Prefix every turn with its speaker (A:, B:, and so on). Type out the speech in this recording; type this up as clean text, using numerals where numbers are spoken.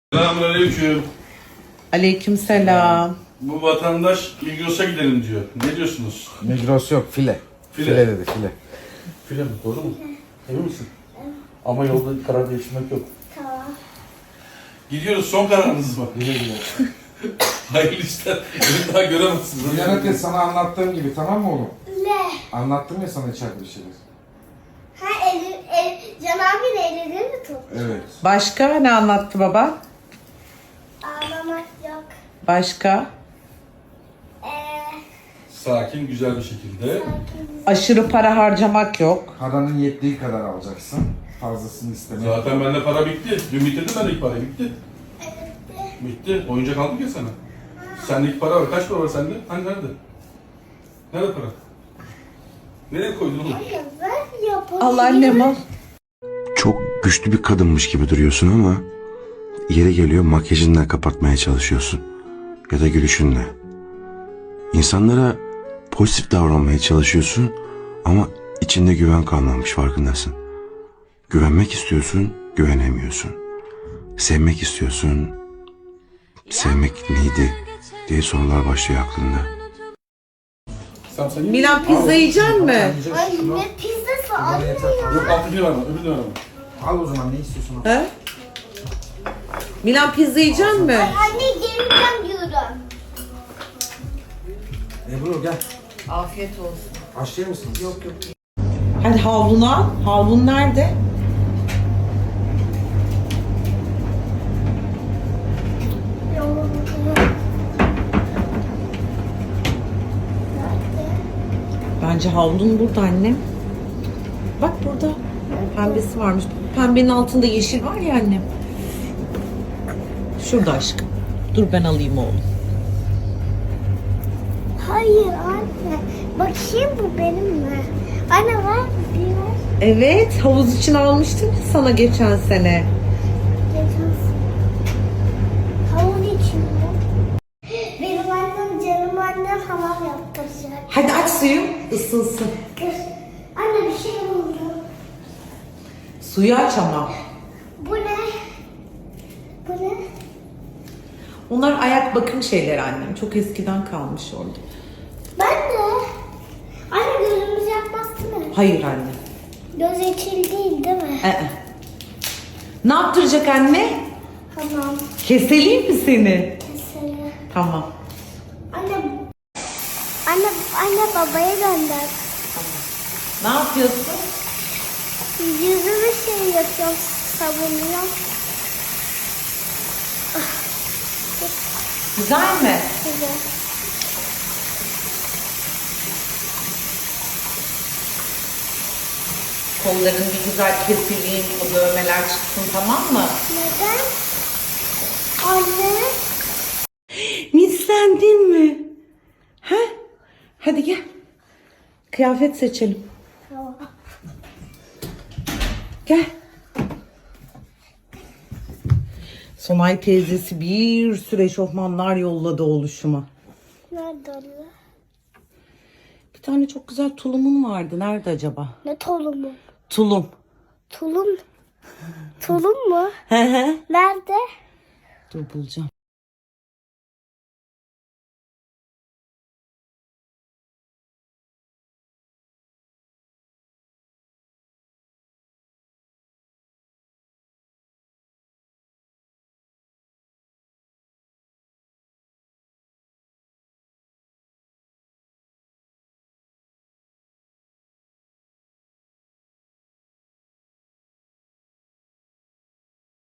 A: Selamünaleyküm.
B: Aleykümselam.
A: Bu vatandaş Migros'a gidelim diyor. Ne diyorsunuz?
C: Migros yok, file.
A: File.
C: File dedi, file.
A: File mi? Doğru mu? Emin misin? Ama yolda karar değiştirmek yok.
D: Tamam.
A: Gidiyoruz. Son kararınız mı?
C: Güle güle.
A: Hayırlı işler. Beni daha göremezsiniz.
C: Uyanık et, sana anlattığım gibi, tamam mı oğlum?
D: Ne?
C: Anlattım ya sana içeride bir şeyler.
D: Ha Can abinin elini mi tut?
C: Evet.
B: Başka ne anlattı baba?
D: Ağlamak yok.
B: Başka?
A: Sakin, güzel bir şekilde.
D: Sakin.
B: Aşırı para harcamak yok.
C: Paranın yettiği kadar alacaksın. Fazlasını isteme.
A: Zaten bende para bitti. Dün bitirdim ben ilk parayı. Bitti.
D: Evet.
A: Bitti. Oyuncak aldık ya sana. Sendeki para var. Kaç para var sende? Hani nerede? Nerede para? Nereye koydun oğlum?
D: Anne ver yapalım.
B: Allah annem al.
E: Çok güçlü bir kadınmış gibi duruyorsun ama yeri geliyor makyajınla kapatmaya çalışıyorsun ya da gülüşünle. İnsanlara pozitif davranmaya çalışıyorsun ama içinde güven kalmamış, farkındasın. Güvenmek istiyorsun, güvenemiyorsun. Sevmek istiyorsun, sevmek neydi diye sorular başlıyor aklında.
A: Sen
B: Milan pizza yiyecek mi?
D: Ay ne pizzası anne ya.
A: Yok alttakini verme. Öbürünü verme.
C: Al o zaman, ne istiyorsun?
B: He? Milan pizza yiyecek mi?
D: Ay anne geleceğim diyorum.
C: Ebru gel.
B: Afiyet olsun.
C: Başlayır mısınız? Yok yok.
B: Hadi havlunu al. Havlun nerede? Bence havlun burada annem. Bak burada. Pembesi varmış. Pembenin altında yeşil var ya annem. Şurada aşkım. Dur ben alayım oğlum.
D: Hayır anne. Bakayım bu benim mi? Anne ver biraz.
B: Evet, havuz için almıştım ya sana geçen sene.
D: Havuz için mi? Benim annem canım annem hamam yaptıracak.
B: Hadi aç suyu, ısınsın.
D: Kız. Anne bir şey oldu.
B: Suyu aç ama.
D: Bu ne? Bu ne?
B: Onlar ayak bakım şeyleri annem. Çok eskiden kalmış orada.
D: Ben de. Anne gözümüz yakmaz değil mi?
B: Hayır anne.
D: Göz içil değil mi?
B: Ne yaptıracak anne?
D: Tamam.
B: Keseleyim mi seni?
D: Mesela.
B: Tamam.
D: Anne babaya gönder.
B: Ne yapıyorsun?
D: Yüzümü şey yapıyorum, savunuyorum.
B: Güzel mi?
D: Güzel.
B: Kolların bir güzel kesileyim, o dövmeler çıksın, tamam mı?
D: Neden? Anne.
B: Mislendin mi? He? Hadi gel. Kıyafet seçelim.
D: Tamam.
B: Gel. Sonay teyzesi bir sürü eşofmanlar yolladı oluşuma.
D: Nerede anne?
B: Bir tane çok güzel tulumun vardı. Nerede acaba?
D: Ne tulumu?
B: Tulum.
D: Tulum? Tulum mu?
B: He he.
D: Nerede?
B: Dur bulacağım.